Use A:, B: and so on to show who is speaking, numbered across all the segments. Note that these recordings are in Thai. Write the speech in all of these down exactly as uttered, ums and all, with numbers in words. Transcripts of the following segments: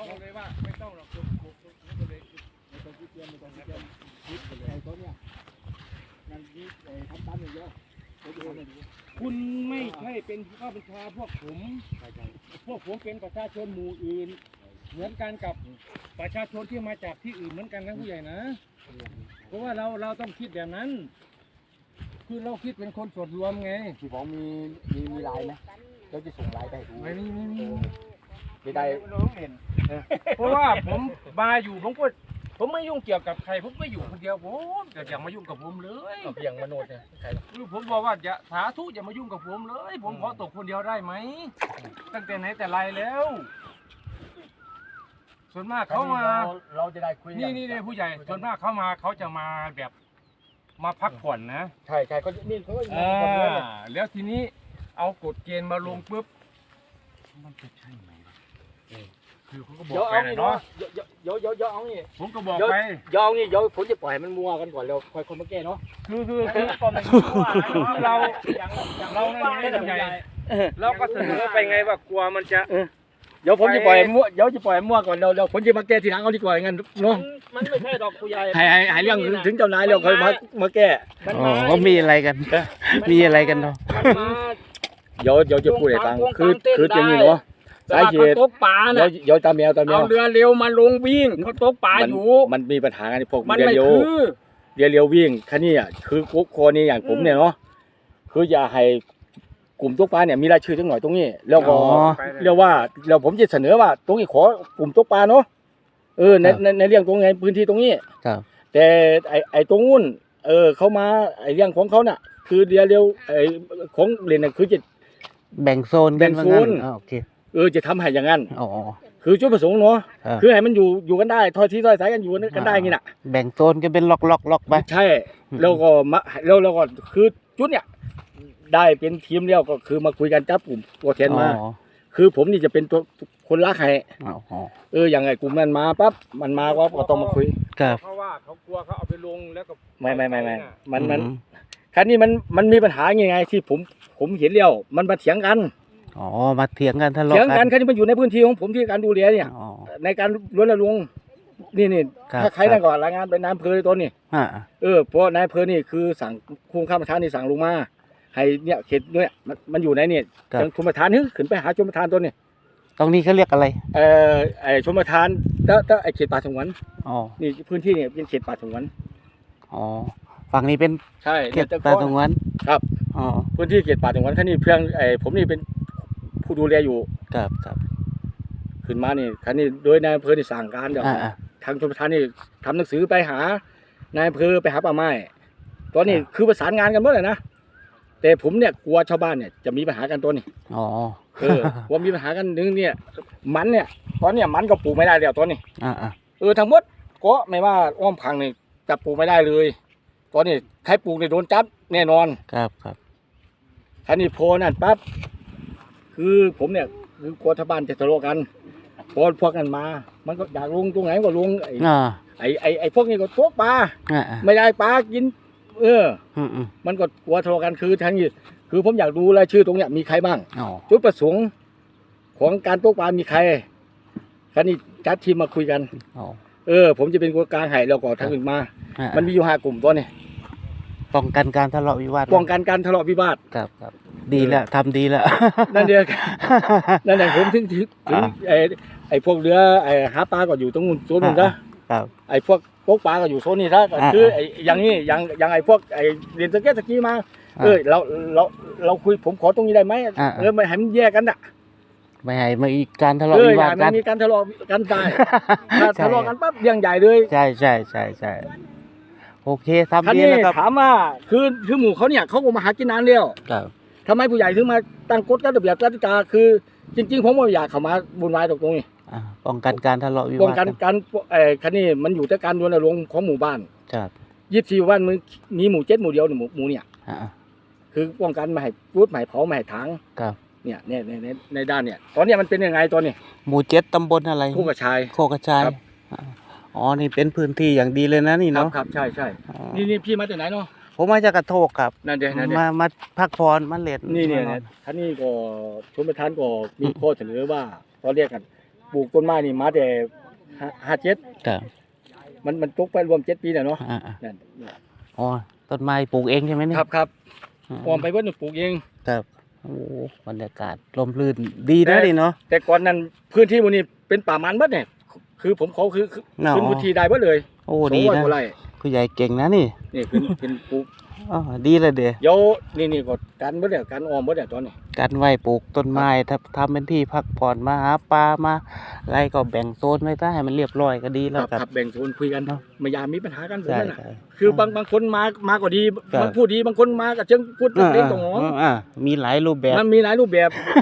A: เขาเลยว่าไม่ต้องหรอกผมผมผมก็เลยไม่ต้องคิดเตรียมไม่ต้องคิดเตรียมคิดไปเลยไอ้ตัวเนี้ยนั่นนี่ไอ้ทำตามอย่างเดียวคุณไม่ใช่เป็นผู้บังคับบัญชาพวกผมพวกผมเป็นประชาชนหมู่อื่นเหมือนกันกับประชาชนที่มาจากที่อื่นเหมือนกันนะผู้ใหญ่นะเพราะว่าเราเราต้องคิดแบบนั้นคือเราคิดเป็นคนส่วนรวมไงที่ผมมีมีมีไลน์ไหมเราจะส่งไลน์ไปให้ดูไม่มีไม่มีไม่ได้เพราะว่าผมมาอยู่ผมก็ผมไม่ยุ่งเกี่ยวกับใครผมไม่อยู่คนเดียวผมแต่อย่ามายุ่งกับผมเลยเพียงมโนดเนี่ยคือผมบอกว่าอย่าสาธุอย่ามายุ่งกับผมเลยผมขอตกคนเดียวได้ไหมตั้งแต่ไหนแต่ไรแล้วส่วนมากเขามาเราจะได้คุยนี่นี่นี่ผู้ใหญ่ส่วนมากเขามาเขาจะมาแบบมาพักผ่อนนะใช่ใช่ก็นี่เขาก็อ่าแล้วทีนี้เอากฎเกณฑ์มาลงปุ๊บมันจะใช่ไหมคือเขาก็บอกไปเนาะเยอะเยอะเยอะเอานี่ผมก็บอกไปยอมนี่เดี๋ยวผมจะปล่อยมันมัวกันก่อนเราค่อยคนมาแก้เนาะคือคือคือก่อนมันมัวเราเราเนี่ยใหญ่เราก็เสนอไปไงว่ากลัวมันจะเดี๋ยวผมจะปล่อยมั่วเดี๋ยวจะปล่อยมั่วก่อนเราเราผมจะมาแก้ทีหลังเอาดีกว่าอย่างนั้นเนาะมันไม่ใช่ดอกผู้ใหญ่หายหายหายเรื่องถึงเจ้านายเราค่อยมามาแก้
B: อ๋อเขามีอะไรกันมีอะไรกันเนาะ
A: เดี๋ยวเดี๋ยวจะพูดให้ฟังคือคืออย่างนี้เนาะสาเหตุตกปลาเนี่ยเดี๋ยวตามแมวตามแมวเอาเรือเร็วมาลงวิ่งเขาตกปลาอยู่มันมีปัญหากันพวกเรือเร็วเรือเร็ววิ่งคันนี้อ่ะคือกุ๊กโคนี่อย่างผมเนี่ยเนาะคืออย่าให้กลุ่มตกปลาเนี่ยมีรายชื่อทั้งหน่อยตรงนี้แล้วก็เรียกว่าเราผมจะเสนอว่าตรงนี้ขอกลุ่มตกปลาเนาะเออในในในเรื่องตรงไงพื้นที่ตรงนี้แต่ไอไอตรงนู้นเออเขามาไอเรื่องของเขาน่ะคือเรือเร็วไอของเรียนน่ะคือจะ
B: แบ่งโซน
A: แบ่งโซน
B: โอเค
A: เออจะทำให้อย่างนั้น
B: อ๋อ
A: คือจุดประสงค์เนาะคือให้มันอยู่อยู่กันได้ทอดที่ทอดสายกันอยู่กันได้งี้น่ะ
B: แบ่งโซนก็เป็นล็อกล็อกล็อกไป
A: ใช่แล้วก็มาแล้วแล้วก็คือจุดเนี่ยได้เป็นทีมเดียวก็คือมาคุยกันจับกลุ่มตัวแทนมาคือผมนี่จะเป็นตัวคนรักให้เอออย่างไงกลุ่มนั้นมาปั๊บมันมาก็ต้องมาคุยเพราะว่าเขากลัวเขาเอาไปลงแล้วก็ไม่ไม่ไม่ไม่มันมันครั้นี้มันมันมีปัญหาไงไงที่ผมผมเห็นเลี้ยวมันมาเถียงกัน
B: อ๋อมาเถียงกันทะเลาะกัน
A: เถียงกันครั้นี้มันอยู่ในพื้นที่ของผมที่การดูแลเนี่ยในการรณรงค์นี่นี่ถ้าใครได้ก่อนรายงานไปนายอำเภอตัวนี้เออเพราะนายอำเภอนี่คือสั่งคุมข้าราชการนี่สั่งลงมาให้เนี่ยเขตเนี่ยมันมันอยู่ในเนี่ยจังชมประทานนึกขึ้นไปหาชมประทานตัวนี้
B: ตรงนี้เขาเรียกอะไร
A: เออไอชมประทานถ้าถ้าไอเขตป่าสงวนอ๋อนี่พื้นที่เนี่ยเป็นเขตป่าสงวน
B: อ๋อฝั่งนี้เป็น
A: ใช่
B: เขตป่าสงวน
A: ครับอ๋อพื้นที่เขตป่าสงวนท่านี่เพื่อนไอผมนี่เป็นผู้ดูแลอยู่
B: ครับครับ
A: ขึ้นมานี่คันนี้โดยนายอำเภอที่สั่งการเดี๋ยวทางชมประทานนี่ทำหนังสือไปหานายอำเภอไปหาป่าไม้ตอนนี้คือประสานงานกันหมดเลยนะแต่ผมเนี่ยกลัวชาวบ้านเนี่ยจะมีปัญหากันตัวนี้
B: อ๋อ
A: เออว่ามีปัญหากันนึงเนี่ยมันเนี่ยตอนเนี้ยมันก็ปลูกไม่ได้แล้วตอนนี้
B: อ่า
A: เออทั้งหมดก็ไม่ว่าอ้อมพังนี่จะปลูกไม่ได้เลยตอนนี้ใครปลูกเนี่ยโดนจับแน่นอน
B: ครับครับ
A: คันนี้โพนั่นปั๊บคือผมเนี่ยคือกลัวชาวบ้านจะทะเลาะกันพอพวกนั้นมามันก็อยากลงตรงไหนก็ลงไอ้ไอ้ไอ้ไอ้พวกนี้ก็ตกปลาไม่ได้ปลากินเออมันก็กลัวทะเลาะกันคือทั้งนี้คือผมอยากดูรายชื่อตรงเนี้ยมีใครบ้างจุดประสงค์ของการตกปลามีใครคันนี้จัดทีมมาคุยกันเออผมจะเป็นคนกลางให้แล้วก็ทางอื่นมามันมีอยู่ห้ากลุ่มตัวนี้
B: ป้องกันการทะเลาะวิวาท
A: ป้องกันการทะเลาะวิวาท
B: ครับครับดีแล้วทำดีแล้ว
A: นั่นเดียวนั่นแหละผมถึงถึงไอ้ไอ้พวกเรือไอ้หาปลาก็อยู่ตรงนู้นโซนนู้นนะครับไอ้พวกตกปลาก็อยู่โซนนี้ซะคือไอ้อย่างนี้อย่างอย่างไอ้พวกไอ้เรียนสเก็ตสกีมาเออเราเราเราคุยผมขอตรงนี้ได้ไหมเออไม่ให้มันแยกกันอ่ะ
B: ไม่ให้มีการทะเลาะวิวาทกัน
A: ไม่มีการทะเลาะกันตายถ้าทะเลาะกันปั๊บเรื่องใหญ่เลย
B: ใช่ใช่ใช่ใช่โอเคทำดีนะครับ
A: ถามว่าคือคือหมู่เขาเนี่ยเขาก็มาหากินนานแล้วทำไมผู้ใหญ่ถึงมาตั้งกฎระเบียบกติกาคือจริงๆผมไม่อยากเข้ามาบุญวายตรงนี้
B: ป้องกันการทะเลาะวิวาท
A: ป้องกันการไอ้คันนี้มันอยู่ที่การรณรงค์ของหมู่บ้าน
B: ครับ
A: ยี่สิบสี่บ้านมึงมีหมู่เจ็ดหมู่เดียวหนึ่งหมู่เนี่ยคือป้องกันไม่ให้รูดไม่ให้เผาไม่ให้ถางเนี่ยเนี่ยในในด้านเนี่ยตอนนี้มันเป็นยังไงตอนนี้
B: หมู่เจ็ดตำบลอะไร
A: โคกระชาย
B: โคกระชายอ๋อนี่เป็นพื้นที่อย่างดีเลยนะนี่เนาะ
A: ครับใช่ใช่นี่นี่พี่มาจากไหนเนาะ
B: ผมมาจากกระโทกครับ
A: นั่นเดี๋ยวนั่นเดี๋ยว
B: มามาพักผ่อนมาเล่น
A: นี่เนี่ยท่านนี่ก็ชมประทานก็มีข้อเสนอว่าเขาเรียกกันปลูกต้นไม้นี่มาแต่ห้าเจ็ด
B: ครับ
A: มันมันตกไปรวมเจ็ดปีแล้วเนาะ
B: อ่า
A: นั่น
B: ๆอ๋อต้นไม้ปลูกเองใช่ไหมเนี่ย
A: ครับครับ
B: อืม
A: ออมไปเพิ่นปลูกเอง
B: ครับโอ้บรรยากาศลมรื่นดีนะดิเนาะ
A: แต่ก่อนนั้นพื้นที่หมันนี้เป็นป่ามันเบิดเนี่ยคือผมเขาคือคือ
B: เนาะ
A: ขึ้นพื้นที่ได้เบิดเลย
B: โอ้
A: สอง
B: ดี
A: ร้อย
B: นะ
A: กว่าไร่
B: ผู้ใหญ่เก่งนะนี่
A: นี่เป็นเป็นปลูก
B: อ๋อดีเลยเด้
A: เดี๋ยวนี่นี่ก็การเบิดเนี่ยการออมเบิดเนี่ยตอนนี้
B: การไหว้ปลูกต้นไม้ถ้าทำเป็นที่พักผ่อนมาหาปลามาอะไรก็แบ่งโซนไว้ซะให้มันเรียบร้อยก็ดี
A: ค
B: แล้ว
A: รับ
B: ครับ
A: ครับแบ่งโซนคุยกัน
B: เนาะ
A: ไม่อยากมีปัญหากันผม
B: ใช่
A: นั่นน่ะ
B: ใช่
A: คือบางบางคนมามาก็ดี
B: ครับ
A: บางพูดดีบางคนมาก็เชิงพูด
B: อ่า
A: เล่นตรงหอ
B: อ่าอ่ามีหลายรูปแบบ
A: มันมีหลายรูปแบบ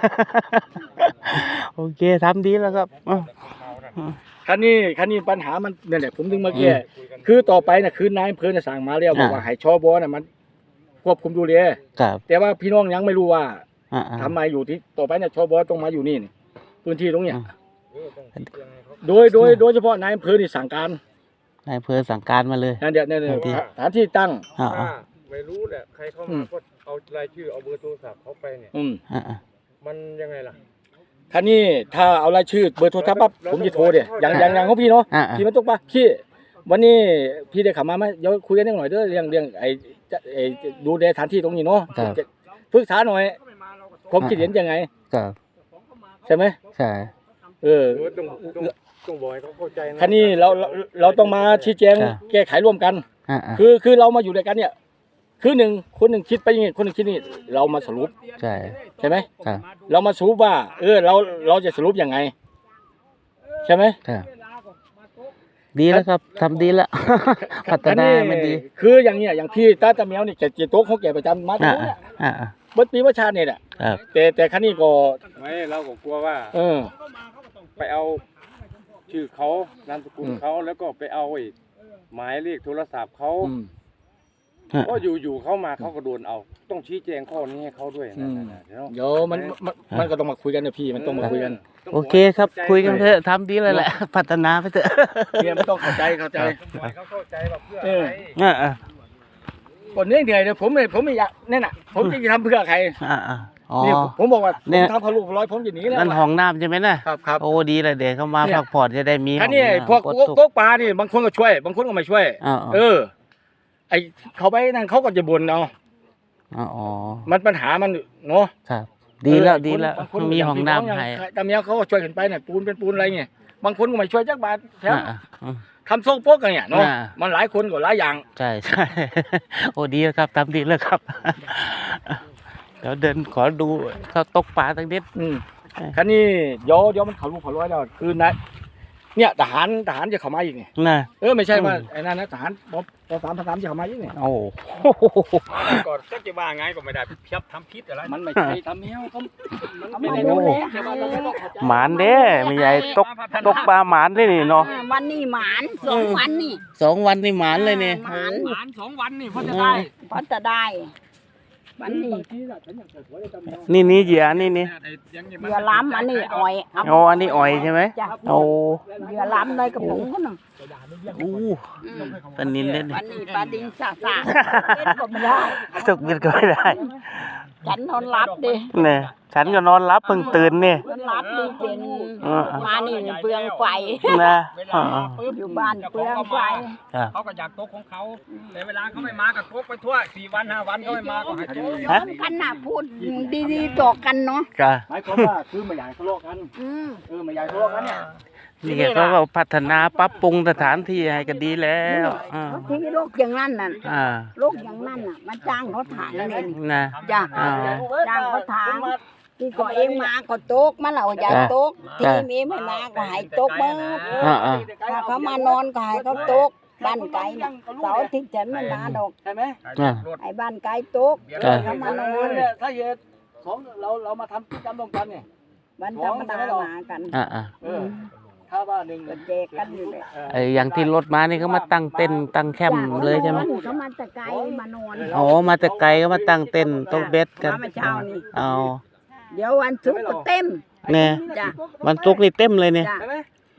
B: โอเคทำดีแล้วครับอ่ะ
A: คันนี้คันนี้ปัญหามันเนี่ยแหละผมถึงมาแก้คือต่อไปน่ะคือนายอำเภอน่ะสั่งมาแล้วบอกว่าให้ชบน่ะมันควบคุมดูแล
B: ครับ
A: แต่ว่าพี่น้องยังไม่รู้ว่า
B: อ่าอ่า
A: ทำไมอยู่ที่ต่อไปเนี่ยชบต้องมาอยู่นี่นี่พื้นที่ตรงเนี้ย
B: อ่า
A: โดยโดยโดยเฉพาะนายอำเภอนี่สั่งการ
B: นายอำเภอสั่งการมาเลย
A: นั่นเดี๋ยวนั่นเดี๋ยว
B: ที่
A: สถานที่ตั้ง
B: อ่า
C: ถ้า
B: อ่า
C: ไม่รู้แหละใครเข้า
A: อื
C: มาม ก็เอารายชื่อเอาเบอร์โทรศัพท์เขาไปเนี่ย
A: อืม
B: อ่าอ่า
C: มันยังไงล่ะ
A: คันนี้ถ้าเอารายชื่อเบอร์โทรศัพท์ปั๊บผมจะโทรเดี๋ยวอย่างอย่างอย่างของพี่เนาะ
B: อ่าอ่า
A: พี่มันตกปะพี่วันนี้พี่ได้ขับมาไหมเดี๋ยวคุยกันนิดหน่อยเด้อเรื่องเรื่องไอ้จะไอ้ดูแลสถานที่ตรงนี้เนาะ
B: ครับ
A: จะปรึกษาหน่อยผมคิดเห็นยังไง
B: ครับ
A: ใช่ไหม
B: ใช่
A: เออ
C: เออต้องต้องต้องบอกให้เขาเข้าใจนะ
A: คันนี้เราเราเราต้องมาชี้แจงแก้ไขร่วมกัน
B: อ่าอ่า
A: คือคือเรามาอยู่ด้วยกันเนี่ย คือหนึ่งคนหนึ่งคิดไปอย่างนี้คนหนึ่งคิดนี่เรามาสรุป
B: ใช่
A: ใช่ไหม
B: ครับ
A: เรามาสรุปว่า เออเราเราจะสรุปยังไง ใช่ไหม
B: ครับดีแล้วครับทำดีแล้ว พัฒนามันดี
A: คืออย่างเนี้ยอย่างพี่ตาตาแมวนี่แกจีโต๊ะเขาแกประจำมาตรง
B: อ่า
A: นี้เนี่ย
B: อ่าอ่า
A: เบิดปีว่าชาติเนี่ยแหละ
B: ครับ
A: แต่แต่คันนี้ก็
C: ไม่เราก็กลัวว่า
A: เออ
C: ไปเอาชื่อเขานามสกุล
A: อืม
C: เขาแล้วก็ไปเอาไอ้หมายเลขโทรศัพท์เขา
A: อืม
C: ก็อยู่อยู่ๆเขามาเขาก็โดนเอา ต้องชี้แจงข้อนี้ให้เขาด้วย
A: อื
C: นะ
A: ม
C: นะเดี๋ยว
A: เดี๋ยวมันมันมันก็ต้องมาคุยกันนะพี่มันต้องมาคุยกัน
C: ต้อง
B: โอเคครับ
C: ให้
B: คุยกันเถอะทำดีเลยแหละ พัฒนาไปเถอะ
A: เนี่ยมันต้องเข้าใจเข้าใจ
C: บอกให้เขาเข้าใจว่าเพื่อ
A: เอ
C: อะ
A: อ
C: ไร
B: อ่าอ่า
A: คนเหนื่อยเหนื่อยเนี่ยผมเนี่ยผมไม่อยากนั่นน่ะ ผมจะทำเพื่อใคร
B: อ่าอ่าอ๋อ
A: นี่ผมบอกว่าผ
B: เนี่
A: ม
B: ย
A: ทำพะลูกพะร้อยผมจะหนีแล้ว
B: นั่นห้องน้ำใช่ไหมน่ะ
A: ครับครับ
B: โอ้ดีเลยเด็กเขามา
A: เนี่ย
B: พักผ่อนจะได้มี
A: คันนี้
B: ห้องน้ำ
A: พวก
B: กด
A: โก๊ก
B: ทุก
A: โก๊กปลานี่บางคนก็ช่วย บางคนก็ไม่ช่วย
B: อ่า
A: เออ ไอเขาไปนั่นเขาก็จะบ่นเอา
B: อ๋ออ๋อ
A: มันปัญหามันเนาะ
B: ครับ ดีแล้ว
A: เออ
B: ดีแล้ว
A: บางคน
B: มีห้องน้ำให้
A: อย่างตามเมียเขาก็ช่วยกันไปเนี่ยปูนเป็นปูนอะไรเงี้ยบางคนก็ไม่ช่วยจักบาทแถม
B: อ่าอ่า
A: ทำโซ่โป๊กกันเนี่ยเนาะ
B: อ่า
A: มันหลายคนก็หลายอย่าง
B: ใช่ใช่ โอ้ดีแล้วครับทำดีแล้วครับ เดี๋ยวเดินขอดูเขาตกปลาตั้งนิด
A: อืม
B: เออ
A: คันนี้เดี๋ยวเดี๋ยวมันเขาลูกเขาร้อยแล้วคือนะเนี่ยทหารทหารจะเข้ามาอีกเนี่ย
B: น่ะ
A: เออไม่ใช่ว่า
B: อืม
A: ไอ้นั่นนะทหารปปสามพสามจะเข้ามาอีกเนี่ย
B: โอ้
C: ก่อนจะว่าไงก็ไม่ได้เพียบทำพิษอะไร
A: มันไม่ใช่ทำแมวเขามันไม่ได้ดูแลใช่ไหมเราไม่ต้องเข้าใจ
B: หมานเด้ไม่ใหญ่ตกตกปลาหมานเลยนี่เนาะ
D: อ่าวันนี้หมานสองวันนี่
B: สองวันนี่หมานเลยนี่
D: หมาน
A: หมานสองวันนี่เพราะจะได้
D: เพราะจะได้วันนี้
A: บางทีน่ะฉันอยากจะสวยทำแมว
B: นี่นี่เหยื่อนี่นี่
D: เหยื่อล้ำอันนี้อ่อยเา
B: อ๋ออันนี้อ่อยใช่ไหม
D: จ้ะ
B: โอ้
D: เหยื่อล้ำในกระป๋องก็หนึ่ง
B: อู้
D: อืม
B: ปลานินเล่น
D: วันนี้ปลาดิงสาสาเล่นก็ไม่ได้
B: สุกเบ็ดก็ไม่ได้
D: ฉันนอนรับดิ
B: เนี่ยฉันก็นอนรับเพิ่งตื่นนี่
D: นอนรับดิเป็น
B: เออ
D: มานี่เปลืองไฟ
B: นะอ๋อ
D: อยู่บ้านเปลืองไฟ
B: ครับ
A: เขาก็อยากโต๊ะของเขาแต่เวลาเขาไม่มาก็โต๊ะไปทั่วสี่วันห้าวันเขาไม่มาก็ให้โต๊ะ
B: ฮะ
D: กันน่ะพูดดีๆต่อกันเนาะ
B: จ้ะ
A: หมายความว่าคือไม่อยากทะเลาะกัน
D: อืม
A: เออไม่อยากทะเลาะกันเนี่ย
B: นี่แกเขาก็พัฒนาปรับปรุงสถานที่ให้ก็ดีแล้วอ่า
D: ที่โรคอย่างนั้นน่ะ
B: อ่า
D: โรคอย่างนั้นน่ะมาจ้างเขาถ่ายเลยนี่
B: นะ
D: จ้ะ
B: อ่า
D: จ้างเขาถางที่ก็เองมาก็ตกมาเราอยากตกทีมเองไม่มาก็ให้ตกเบ้อ
B: อ่าอ่า
D: ถ้าเขามานอนก็ให้เขาตกบ้านไก่น่ะเสาร์อาทิตย์ฉันไม่มาดอก
A: ใช่ไหม
B: อ่า
D: ไอ้บ้านไก่ตก
B: จ้ะ
D: เขามานอน
A: เนี่ยถ้าเหตุของเราเรามาทำกิจกรรมร่วมกันเนี่ย
D: วันธรรมดามากัน
B: อ่าอ่า
A: เออถ้าว่าหนึ่ง
D: ก็แจกกันอยู่เลย
B: ไอ้อย่างที่รถมานี่เขามาตั้งเต็นท์ตั้งแคมป์เลยใช่ไหม
D: เขามาแต่ไกลมานอน
B: อ๋อมาแต่ไกลก็มาตั้งเต็นท์ตกเบ็ดกัน
D: มาเมื่อเช้านี่
B: เอา
D: เดี๋ยววันศุกร์ก็เต็ม
B: เนี่ย
D: จ้ะ
B: วันศุกร์นี่เต็มเลยเนี่ย
D: จ้ะ
A: ใช่ไหม
D: ม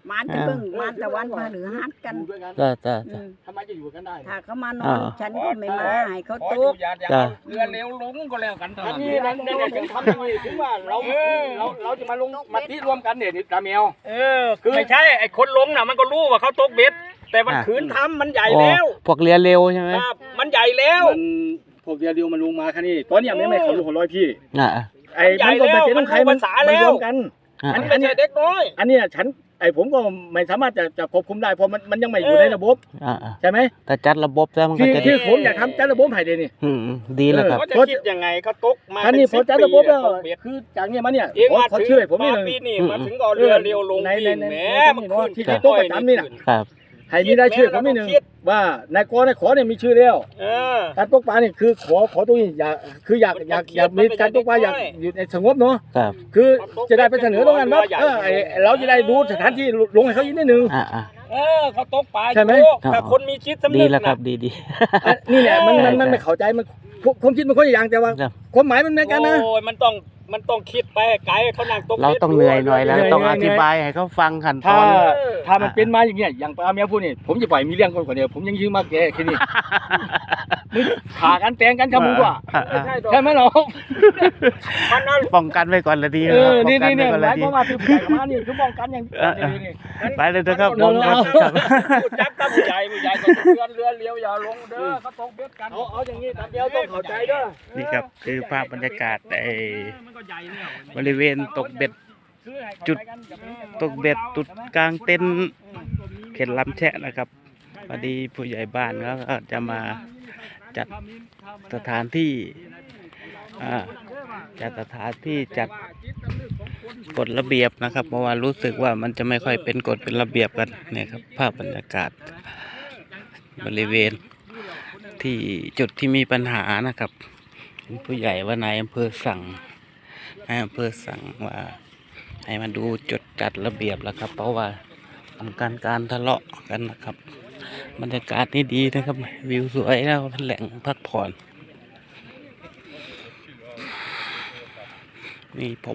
D: มาจะเบิ่งมาตะวันพาหรือฮัดกัน
A: อยู่ด้วยกัน
B: จ้าจ้า
D: อื
B: จ้าม
A: ทำไมจะอยู่กันได้
D: ถ้าเขามานอนฉันก็ไม่มาให้เขา
C: ขอ
D: ต
C: อยู่
D: ก
C: อย่าอย่า
B: จ้ะ
C: เอาเรือเร็วลงก็แล้วกันเท่า
A: อัน
C: นั้น
A: นี้นั่นนั่นเนี่ยถึงทำอย่างนี้ถึงว่าเราเราเราจะมาลงมาที่รวมกันเนี่ยตาแมว
C: เออคือไม่ใช่ไอ้คนลงน่ะมันก็รู้ว่าเขาตกเบ็ด แต่มันขืนทำมันใหญ่
B: อ๋อ
C: แล้ว
B: พวกเรือเร็วใช่ไหม
C: ครับมันใหญ่แล้ว
A: มันพวกเดียวเดียวมันลงมาแค่นี้ตอนเนี้ยไม่ไม่เขาลงหัวร้อยพี่
B: อ่า
A: ไอ้มันก็ไม่ใช่ต้องใครมันมันรวมกัน
B: อ่า
C: มันไม่ใช่เด็กน้อย
A: อันเนี้ยฉันไอ้ผมก็ไม่สามารถจะจะควบคุมได้เพราะมันมันยังไม่อยู่ในระบบ
B: อ่าอ่า
A: ใช่ไหม
B: แต่จัดระบบแล้วมันก็
A: ที่
B: จะดี
A: ที่ผมอยากทำจัดระบบให้เดยวนี่
B: อืมอืมดีแล้วครับ
C: เขาจะคิดยังไงเขาตกมา
A: ท่านนี่พอจัดระบบแล้ว
C: ตกเบ็ด
A: คือจากเนี้ยมาเนี่ย
C: เอง
A: ขอ
C: มา
A: ขอ
C: ถึง
A: เชื่อผมนี่
C: มา
A: หนึ่ง
C: ปีนี้มาถึงก็เอาเรือเร็วลง
A: ใน
C: ปี
A: ใน
C: แหม
A: ใน
C: มัน
A: ใน
C: ขึ้น
A: ที่
C: ที่
A: ที่โต๊ะประจำนี่น่ะ
B: ครับ
A: ให้มีรายชื่อผมนี่หนึ่งว่านายกนายขอเนี่ยมีชื่อแล้ว
C: เออ
A: การตกปลาเนี่ยคือขอขอตรงนี้อยากคืออยากอยากอยากมีการตกปลาอยากอยู่ในสงบเนาะ
B: ครับ
A: คือจะได้ไปเสนอตรงนั้นว่าเออไอ้เราจะได้ดูสถานที่ลงให้เขาอีกนิดนึง
B: อ่าอ่า
C: เออเขาตกปลา
A: ใช่ไหม
C: อยู่ถ้าคนมีจิตสำ
B: ดี
C: นึก
B: แล้วครั
C: นะ
B: บดีดี
A: อ่ะนี่แหละมันมันมัน
B: ใช่
A: ไม่เข้าใจมันความคิดมันคนละอย่างแต่ว่า
B: ครับ
A: ความหมายมันเหมือนกันนะ
C: โอ้ยมันต้องมันต้องคิดไปให้ไกลเขานั่งตก
B: เราต้องเหนื่อยหน่อยแล้ว
A: เหนื่อย
B: ต้อง
A: เหนื่
B: อ
A: อย
B: ธิบายให้เขาฟังขั้นต
A: ถ้า
B: อน
A: ถ้ามันเป็นมาอย่างเงี้ยอย่างปลาเมียพูดนี่ผมจะปล่อยมีเรื่องคนกว่าเดียวผมยังยืมมาแกแค่นี้มึงขากันแตงกันกับมึงกว่า
B: อ่า
C: ไม่
B: อ่า
C: ใช่ดอก
A: ใช่ไหมเรา
C: มันนั่น
B: ป้องกันไว้ก่อนละดี
A: เออ
B: ป้
A: นี่
B: องกัน
A: นี่
B: ไว้
A: เนี่ย
B: ก่อน
A: ห
B: ละ
A: มาย
B: ดี
A: ความว่าที่ผู้ใหญ่กับมานี่คือป้องกันอย่าง
B: เออ
A: นี้นี่
B: ไปเลยนะครับ
A: เรา
B: ผม
A: เรา
B: ครับ
C: พูดจักกับผู้ใหญ่ผู้ใหญ่ก็เรือเรือเลี้ยวอย่าลงเด้อเขาตกเบ็ดกัน
A: เอาเอาอย่างนี้ตามเดียวต้องเข้าใจเด้อ
B: นี่ครับคือภาพบรรยากาศใน
C: มันก็ใหญ่แล้ว
B: บริเวณตกเบ็ด
A: คือให้เข้า
B: จุด
A: ใจกันอย่าไปให้
B: ตกเบ็ดจุดกลางเต็นท์เขตลำแชะนะครับพอดีผู้ใหญ่บ้านเขาก็จะมาจัดสถานที่อ่าจัดสถานที่จัดกฎระเบียบนะครับ เพราะว่ารู้สึกว่ามันจะไม่ค่อยเป็นกฎเป็นระเบียบกันเนี่ยครับภาพบรรยากาศบริเวณที่จุดที่มีปัญหานะครับผู้ใหญ่ว่านายอำเภอสั่งนายอำเภอสั่งว่าให้มาดูจุดจัดระเบียบแล้วครับ เพราะว่าป้องกันการทะเลาะกันนะครับบรรยากาศนี่ดีนะครับวิวสวยแล้วเป็นแหล่งพักผ่อนนี่ผม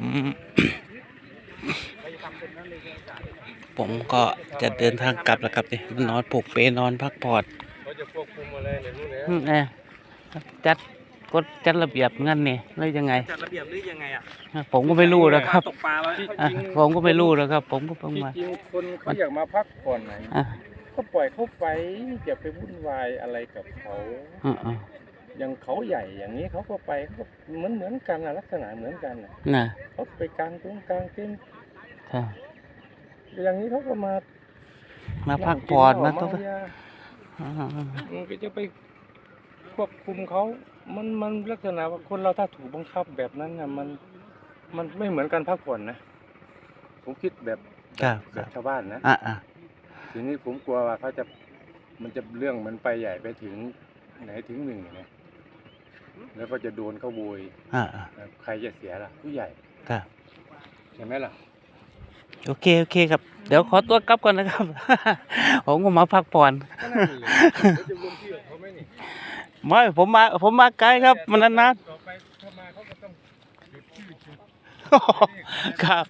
B: ผมก็จะเดินทางกลับแล้วครับนี่นอนผูกเปนอนพักผ่อน
C: เขาจะควบคุมอะไรเนี่ยรู้แล้ว
B: อืมเออจัดกฎจัดระเบียบงั้นนี่หรือยังไง
C: จัดระเบียบหรือยังไงอ่ะ
B: ผมก็ไม่รู้นะครับ
C: ตกปลาไว้
B: อ่ะผมก็ไม่รู้นะครับ ผมก็เพิ่ง
C: ที่
B: มา
C: จริงคนเขาอยากมาพักผ่อนไหน
B: อ่ะ
C: ก็ปล่อยเขาไปอย่าไปวุ่นวายอะไรกับเขา
B: อ่ะอ่ะ
C: อย่างเขาใหญ่อย่างนี้เขาก็ไปเขาก็เหมือนเหมือนกันนะลักษณะเหมือนกันน่ะ
B: น่ะ
C: เขาไปกลางตรงกลางเต็นท์
B: ค่ะ
C: อย่างนี้เขาก็มา
B: มาพักผ่อนมา
C: มา
B: ต้อง
C: เที่ยว
B: อ่าอ่าอ่า
C: มันก็จะไปควบคุมเขา มันมันลักษณะว่าคนเราถ้าถูกบังคับแบบนั้นน่ะมันมันไม่เหมือนการพักผ่อนนะผมคิดแบบ
B: ครับค
C: แบ
B: รับบ
C: ชาวบ้านนะ
B: อ่ะอ่ะ
C: ทีนี้ผมกลัวว่าเขาจะมันจะเรื่องมันไปใหญ่ไปถึงไหนถึงหนึ่งนะแล้วก็จะโดนเขาโวย
B: อ่ะอ่ะ
C: ใครจะเสียล่ะ ผู้ใหญ่
B: ครับ
C: ใช่ไหมล่ะ
B: โอเคโอเคครับ เดี๋ยวขอตัวกลับก่อนนะครับ ผมก็มาพักผ่อน
C: ก็นั่นเลยเขาจะรวมที่ของเขาไหมนี่
B: ไม่ผมมาผมมาไกลครับ มันนาน
C: ต่อไปเข้ามาเขาก็ต้องจุดชื่อจุด
B: ๆครับ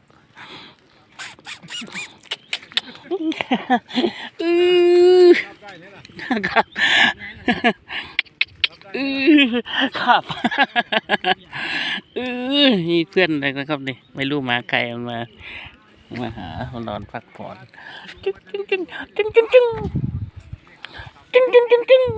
B: อือครับอือครับอือนี่เพื่อนเลยนะครับนี่ไม่รู้มาไกลมันมามาหามานอนพักผ่อนจึ๊งจึ๊งจึ๊งจึ๊งจึ๊งจึ๊งจึ๊งจึ๊งจึ๊งจึ๊ง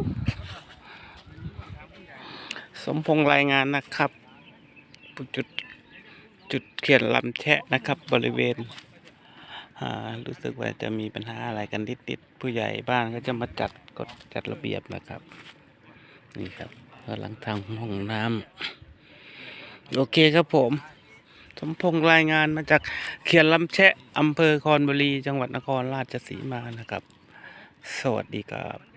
B: สมพงษ์รายงานนะครับจุดจุดเขียนลำแชะนะครับ บริเวณอ่ารู้สึกว่าจะมีปัญหาอะไรกันนิดๆผู้ใหญ่บ้านก็จะมาจัดกฎจัดระเบียบนะครับ นี่ครับกำลังทำห้องน้ำโอเคครับผม สมพงษ์รายงานมาจากเขียนลำแชะอำเภอคอนบุรีจังหวัดนครราชสีมานะครับ สวัสดีครับ